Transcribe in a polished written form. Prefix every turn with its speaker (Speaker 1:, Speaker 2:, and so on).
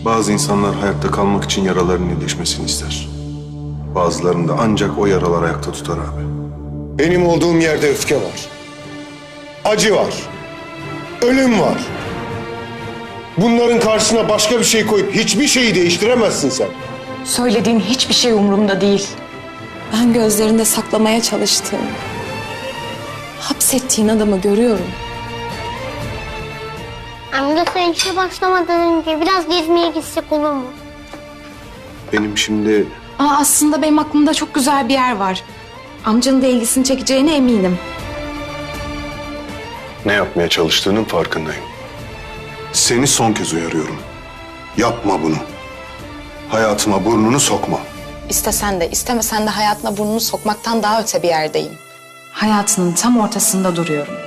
Speaker 1: Bazı insanlar hayatta kalmak için yaralarının iyileşmesini ister. Bazılarını da ancak o yaralar ayakta tutar abi.
Speaker 2: Benim olduğum yerde öfke var. Acı var. Ölüm var. Bunların karşısına başka bir şey koyup hiçbir şeyi değiştiremezsin sen.
Speaker 3: Söylediğin hiçbir şey umurumda değil. Ben gözlerinde saklamaya çalıştığım, hapsettiğin adamı görüyorum.
Speaker 4: Amca sen işe başlamadan önce biraz gezmeye gitsek olur mu?
Speaker 1: Benim şimdi
Speaker 3: Aslında benim aklımda çok güzel bir yer var. Amcanın da ilgisini çekeceğine eminim.
Speaker 1: ne yapmaya çalıştığının farkındayım. Seni son kez uyarıyorum. Yapma bunu. Hayatıma burnunu sokma.
Speaker 3: İstesen de istemesen de hayatına burnunu sokmaktan daha öte bir yerdeyim. Hayatının tam ortasında duruyorum.